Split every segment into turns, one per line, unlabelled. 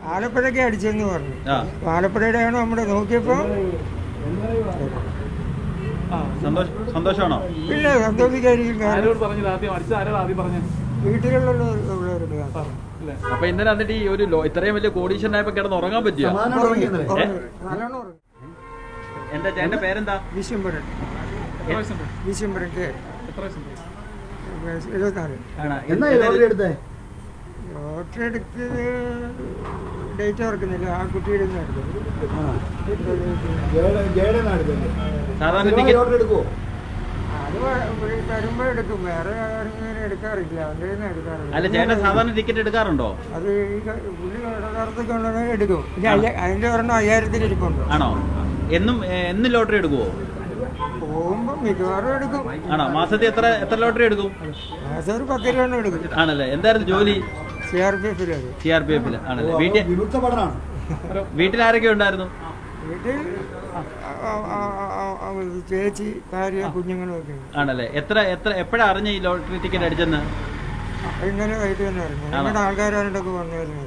ആലപ്പുഴയ്ക്ക് അടിച്ചെന്ന് പറഞ്ഞു. ആലപ്പുഴയുടെയാണ് നമ്മുടെ നോക്കിയപ്പോൾ.
സന്തോഷമാണോ?
പിന്നെ സന്തോഷിക്കായിരിക്കും. വീട്ടിലുള്ളവരുടെ.
അപ്പൊ ഇന്നലെ എന്നിട്ട് ഈ ഒരു ഇത്രയും വലിയ കോടീശ്വരനായപ്പോ കിടന്ന് ഉറങ്ങാൻ പറ്റിയോ? എന്റെ ചേട്ടന്റെ പേരെന്താ?
വിശ്വംബരൻ. 74. ലോട്ടറി എടുത്തത് ഡേറ്റ് ഓർക്കുന്നില്ല. ആ കുട്ടിയുടെ
സാധാരണ ടിക്കറ്റ്
എടുക്കുമോ? അത് വരുമ്പോ എടുക്കും. വേറെ എടുക്കാറില്ല. അവൻ്റെ എടുക്കാറില്ല.
അല്ല ചേട്ടൻ സാധാരണ ടിക്കറ്റ് എടുക്കാറുണ്ടോ?
അത് പുള്ളി യഥാർത്ഥത്തിൽ കൊണ്ടുവന്നാൽ എടുക്കും. പിന്നെ അതിന്റെ ഒരെണ്ണം 1000-ൽ ഇരിപ്പുണ്ട്.
ആണോ? എന്നും ലോട്ടറി എടുക്കുവോ?
പോകുമ്പോ മിക്കവാറും എടുക്കും.
ആണോ? മാസത്തിൽ എത്ര ലോട്ടറി എടുക്കും?
മാസം ഒരു 10 രൂപ എടുക്കും.
ആണല്ലേ? എന്തായിരുന്നു ജോലി?
CRPF
ആണല്ലേ? വീട്ടിൽ ആരൊക്കെ ഉണ്ടായിരുന്നു?
വീട്ടിൽ ചേച്ചി, ഭാര്യ, കുഞ്ഞുങ്ങളും ഒക്കെ.
ആണല്ലേ? എപ്പോഴാ അറിഞ്ഞ ഈ ലോട്ടറി ടിക്കറ്റ് അടിച്ചെന്ന്?
ഇന്നലെ വൈകിട്ട് തന്നെ അറിഞ്ഞു. നമ്മുടെ ആൾക്കാരായിട്ടൊക്കെ വന്നായിരുന്നു.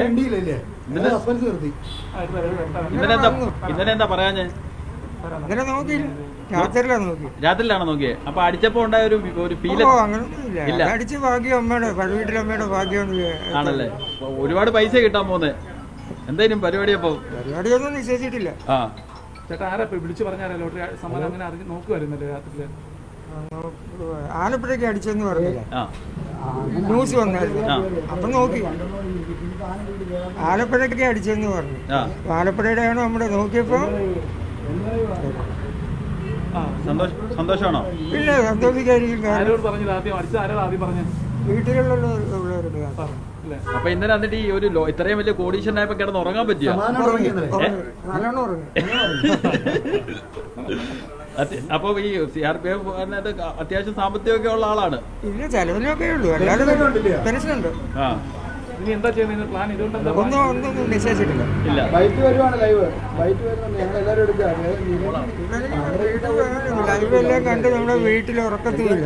ഇന്നലെ എന്താ പറയാഞ്ഞേ?
ഇന്നലെ നോക്കിയില്ല.
രാത്രിയിലാണോ നോക്കിയേ? അപ്പൊ അടിച്ചപ്പോ ഉണ്ടായ ഒരു ഫീല്?
അങ്ങനൊന്നുമില്ല. അടിച്ച് ഭാഗ്യം അമ്മയുടെ വീട്ടിലമ്മയുടെ ഭാഗ്യം.
ആണല്ലേ? ഒരുപാട് പൈസ കിട്ടാൻ പോന്നെ. എന്തായാലും
പരിപാടിയൊന്നും നിശ്ചയിച്ചിട്ടില്ല.
ചേട്ടാ ആരാ വിളിച്ചു പറഞ്ഞാലോ ലോട്ടറി സമ്മാനം അങ്ങനെ അറിഞ്ഞ് നോക്കുമായിരുന്നല്ലേ രാത്രിയില്?
ആലപ്പുഴയ്ക്ക് അടിച്ചെന്ന് പറഞ്ഞില്ല, ന്യൂസ് വന്നായിരുന്നു. അപ്പൊ നോക്കി. ആലപ്പുഴയ്ക്ക് അടിച്ചെന്ന് പറഞ്ഞു. ആലപ്പുഴയുടെയാണ് നമ്മുടെ നോക്കിയപ്പോ.
സന്തോഷമാണോ?
പിന്നെ സന്തോഷിക്കായിരിക്കും. വീട്ടിലുള്ളവരുടെ.
അപ്പൊ ഇന്നലെ എന്നിട്ട് ഈ ഒരു ഇത്രയും വലിയ കോടീശ്വരനായപ്പോ കിടന്ന് ഉറങ്ങാൻ പറ്റിയോ?
നല്ലോണം ഉറങ്ങി.
അപ്പൊ ഈ CRPF അത്യാവശ്യം സാമ്പത്തികമൊക്കെ ഉള്ള ആളാണ്.
ഇല്ല, ചെലവിലൊക്കെ ഉള്ളൂ. അല്ലാതെ പെൻഷനുണ്ട്.
ഇനി എന്താ ചെയ്യുന്നത്? പ്ലാൻ ഇതുകൊണ്ട്
ഒന്നും നിശ്ചയിച്ചിട്ടില്ല. ലൈവ് എല്ലാം കണ്ട് നമ്മുടെ വീട്ടിൽ ഉറക്കത്തില്ല.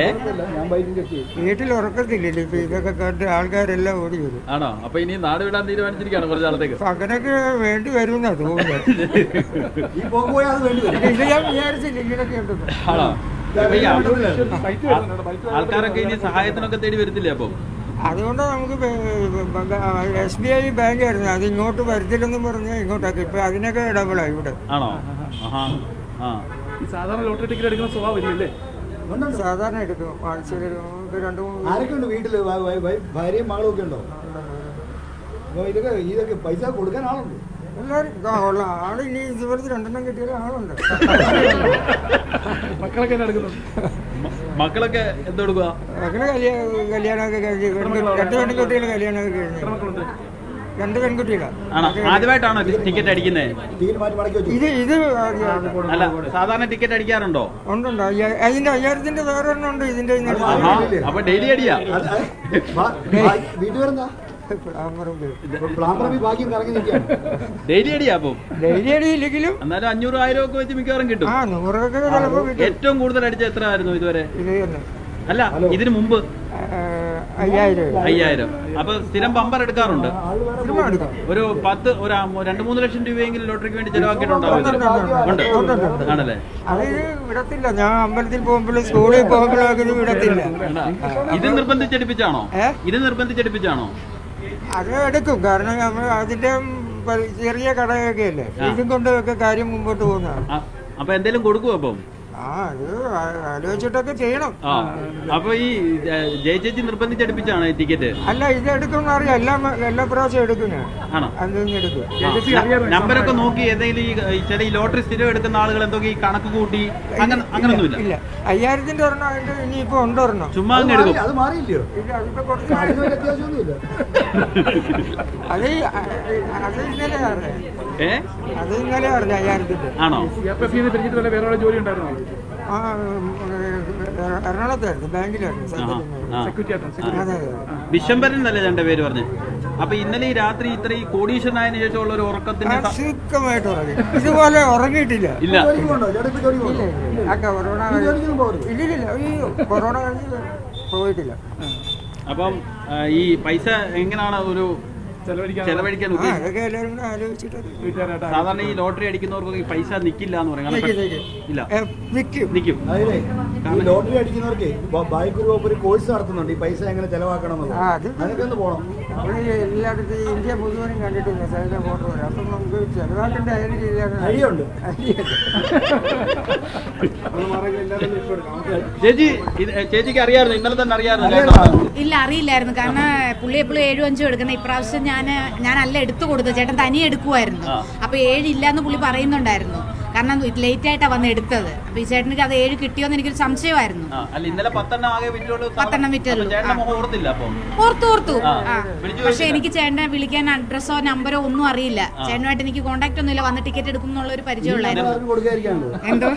ഇപ്പൊ ഇതൊക്കെ കണ്ട് ആൾക്കാരെല്ലാം ഓടി വരും.
ആണോ? അപ്പൊ ഇനി നാട് വിടാൻ തീരുമാനിച്ചിരിക്കുകയാണ് കുറച്ച് നാളത്തേക്ക്.
അങ്ങനൊക്കെ വേണ്ടി വരുമെന്നാ തോന്നുന്നത്. ഇത് ഞാൻ വിചാരിച്ചില്ല ഇങ്ങനൊക്കെ ഉണ്ടെന്ന്.
ആണോ? ആൾക്കാരൊക്കെ ഇനി സഹായത്തിനൊക്കെ തേടി വരത്തില്ലേ? അപ്പൊ
അതുകൊണ്ട് നമുക്ക് SBI ബാങ്കായിരുന്നു, അത് ഇങ്ങോട്ട് വരത്തില്ലെന്നും പറഞ്ഞാൽ ഇങ്ങോട്ടാക്കി. ഇപ്പൊ അതിനൊക്കെ ഡബിളായി ഇവിടെ.
ആണോ?
സാധാരണ ലോട്ടറി ടിക്കറ്റ് എടുക്കുന്ന സ്വഭാവമില്ലേ?
സാധാരണ എടുക്കും. ആഴ്ചയിൽ 2-3.
ആരൊക്കെ ഉണ്ട് വീട്ടില്? ഭാര്യയും മകളും ഒക്കെ ഉണ്ടോ? ഇതൊക്കെ പൈസ കൊടുക്കാൻ ആളുണ്ട്.
എല്ലാവരും ഉള്ള ആള്. ഇനി ഇതുപോലത്തെ 2 കിട്ടിയാലും ആളുണ്ട്.
മക്കളൊക്കെ എന്തെടുക്കുക?
മക്കള് കല്യാണമൊക്കെ കഴിഞ്ഞ് 2 പെൺകുട്ടികൾ കല്യാണമൊക്കെ കഴിഞ്ഞു. 2 പെൺകുട്ടികളാണ്.
ആദ്യമായിട്ടാണോ ടിക്കറ്റ് അടിക്കുന്നത്?
ഇത്
അല്ല, സാധാരണ ടിക്കറ്റ് അടിക്കാറുണ്ടോ?
ഉണ്ടുണ്ട്. അതിന്റെ 1000-ന്റെ വേറെ ഒരെണ്ണം ഉണ്ട്. ഇതിന്റെ
അപ്പൊ ഡെയിലി അടിയാ? ഡെയിലി അടിയാ? അപ്പം
ഡെയിലി അടിയില്ലെങ്കിലും
എന്നാലും 500-1000 ഒക്കെ വെച്ച് മിക്കവാറും കിട്ടും.
100 ചിലപ്പോ.
ഏറ്റവും കൂടുതൽ അടിച്ച എത്ര ആയിരുന്നു ഇതുവരെ? അല്ല, ഇതിനു മുമ്പ് 5000. അപ്പൊ സ്ഥിരം ബമ്പർ എടുക്കാറുണ്ട്? ഒരു 2-3 ലക്ഷം രൂപയെങ്കിലും ലോട്ടറിക്ക് വേണ്ടി ചെലവാക്കിയിട്ടുണ്ടാവും. ആണല്ലേ?
അത് വിടത്തില്ല. ഞാൻ അമ്പലത്തിൽ പോകുമ്പോഴും സ്കൂളിൽ പോകുമ്പോഴും വിടത്തില്ല.
ഇത് നിർബന്ധിച്ചെടുപ്പിച്ചാണോ?
അത് എടുക്കും. കാരണം നമ്മൾ അതിന്റെ ചെറിയ കടയൊക്കെ അല്ലേ, ഇതും കൊണ്ടൊക്കെ കാര്യം മുമ്പോട്ട് പോകുന്നതാണ്.
അപ്പൊ എന്തെങ്കിലും കൊടുക്കുവോ? അപ്പം
അത് ആലോചിച്ചിട്ടൊക്കെ ചെയ്യണം.
അപ്പൊ ഈ ജയിച്ചേച്ചി നിർബന്ധിച്ചെടുപ്പിച്ചാണ് ഈ ടിക്കറ്റ്?
അല്ല, ഇത് എടുക്കും അറിയാം. എല്ലാ പ്രാവശ്യം എടുക്കും.
ആണോ?
എടുക്കും.
നമ്പരൊക്കെ നോക്കി ഏതെങ്കിലും ഈ ലോട്ടറി സ്ഥിരം എടുക്കുന്ന ആളുകൾ എന്തൊക്കെ ഈ കണക്ക് കൂട്ടി അങ്ങനൊന്നുമില്ല?
ഇല്ല. 5000-ന്റെ ഒരെണ്ണം അതിന്റെ ഇനിയിപ്പോ ഉണ്ടൊരെണ്ണം.
ചുമ്മാ അങ്ങ് എടുക്കും.
അത് മാറിയില്ലയോ?
ഇല്ല, അതിപ്പോ കുറച്ച്
അത്യാവശ്യമൊന്നുമില്ല.
അത് ഇന്നലെ അറിയാം. അത് ഇന്നലെ അറിഞ്ഞ 5000-ന്റെ.
ആണോ?
വേറെ ജോലി ഉണ്ടായിരുന്നോ?
എറണാകുളത്തായിരുന്നു, ബാങ്കിലായിരുന്നു.
വിശ്വംഭരൻ എന്നല്ലേ ചേട്ടന്റെ പേര് പറഞ്ഞു? അപ്പൊ ഇന്നലെ ഈ രാത്രി ഇത്ര ഈ കോടീശ്വരനായതിനു ശേഷമുള്ള ഒരു ഉറക്കത്തിന്
സുഖമായിട്ട് ഉറങ്ങി. ഇതുപോലെ ഉറങ്ങിയിട്ടില്ല.
ഇല്ല.
കൊറോണ കഴിഞ്ഞ് പോയിട്ടില്ല.
അപ്പം ഈ പൈസ എങ്ങനെയാണ് ഒരു ചെലവഴിക്കാൻ
ആ അതൊക്കെ എല്ലാവരും കൂടെ ആലോചിച്ചിട്ട്
വീട്ടുകാരായിട്ട്
സാധാരണ ഈ ലോട്ടറി അടിക്കുന്നവർക്ക് ഈ പൈസ നിക്കില്ല എന്ന് പറയും കാരണം ഇല്ല
നിൽക്കും.
നിക്കും
അതെ ഈ ലോട്ടറി അടിക്കുന്നവർക്ക് ബൈക്ക് ഗ്രൂപ്പ് ഒരു കോഴ്സ് നടത്തുന്നുണ്ട് ഈ പൈസ എങ്ങനെ ചെലവാക്കണം എന്നുള്ളത്.
ആ, അത്
അതൊക്കെ ഒന്ന് പോകണം.
നമ്മൾ എല്ലായിടത്തും ഇന്ത്യ മുഴുവനും കണ്ടിട്ടില്ല സൈന ഫോട്ടോ വരെ. അപ്പം നമുക്ക് ചെലവാക്കേണ്ട ഏത് രീതിയിലാണ്
ഐഡിയുണ്ട്.
ചേച്ചിക്ക് അറിയാമായിരുന്നു ഇന്നലെ തന്നെ അറിയാമായിരുന്നു
ഇല്ല അറിയില്ലായിരുന്നു കാരണം പുള്ളി എപ്പോഴും 7 5 എടുക്കുന്ന ഇപ്രാവശ്യം ഞാനല്ല എടുത്തു കൊടുത്തത് ചേട്ടൻ തനിയെ എടുക്കുമായിരുന്നു അപ്പൊ 7 ഇല്ലാന്ന് പുള്ളി പറയുന്നുണ്ടായിരുന്നു കാരണം ലേറ്റ് ആയിട്ടാ വന്ന് എടുത്തത് അപ്പൊ ഈ ചേട്ടനിക്ക് അത് 7 കിട്ടിയോന്ന് എനിക്കൊരു സംശയമായിരുന്നു.
അല്ല ഇന്നലെ 10 ആകെ വിറ്റുള്ളൂ
10 വിറ്റുള്ളൂ.
ഓർത്തില്ല അപ്പൊ
ഓർത്തു പക്ഷെ എനിക്ക് ചേട്ടനെ വിളിക്കാൻ അഡ്രസ്സോ നമ്പറോ ഒന്നും അറിയില്ല. ചേട്ടനുമായിട്ട് എനിക്ക് കോൺടാക്ട് ഒന്നുമില്ല. വന്ന് ടിക്കറ്റ് എടുക്കും എന്നുള്ള ഒരു പരിചയമുള്ളായിരുന്നു. എന്തോ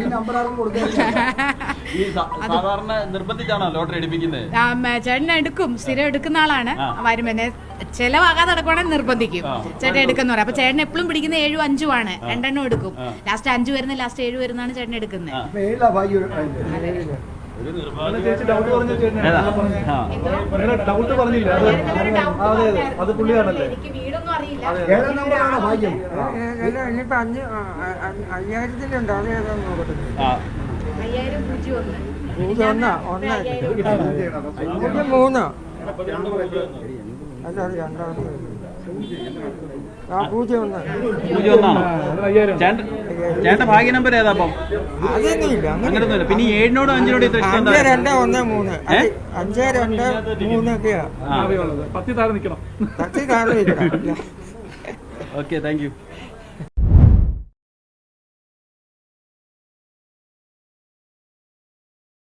സാധാരണ നിർബന്ധിച്ചാണോ ലോട്ടറി എടുപ്പിക്കുന്നത്?
ചേട്ടൻ എടുക്കും, സ്ഥിരം എടുക്കുന്ന ആളാണ്. വരുമ്പോ ചെലവാകാതെ നടക്കുവാണെങ്കിൽ നിർബന്ധിക്കും. ചേട്ടൻ എടുക്കുന്ന പറയാം. അപ്പൊ ചേട്ടൻ എപ്പോഴും പിടിക്കുന്ന 7 5 ആണ്. 2 എണ്ണം എടുക്കും. ലാസ്റ്റ് 5 വരുന്ന ലാസ്റ്റ് 7 വരുന്നതാണ് ചേട്ടൻ എടുക്കുന്നത്.
ചേച്ചി ഡൗട്ട് പറഞ്ഞ ഡൗട്ട് പറഞ്ഞില്ല അത് പുള്ളിയാണല്ലേ?
എനിക്ക് വീടൊന്നും അറിയില്ല.
ഇനിയിപ്പോ 5000-ലുണ്ട്. അത് ഏതാന്ന് നോക്കട്ടെ.
5000
3 അല്ല അത് രണ്ടാമത്തെ. ആ 01
ചേട്ടന്റെ ഭാഗ്യ നമ്പർ ഏതാ അപ്പം?
അതൊന്നുമില്ല.
അങ്ങനൊന്നുമില്ല. പിന്നെ 7നോട് 5നോട് ഇത്ര ഇഷ്ടം
5 2 1 3 5 2 3 ഒക്കെയാ.
10 താഴെ നിൽക്കണം.
10 താഴെ നിൽക്കണം.
Okay thank U.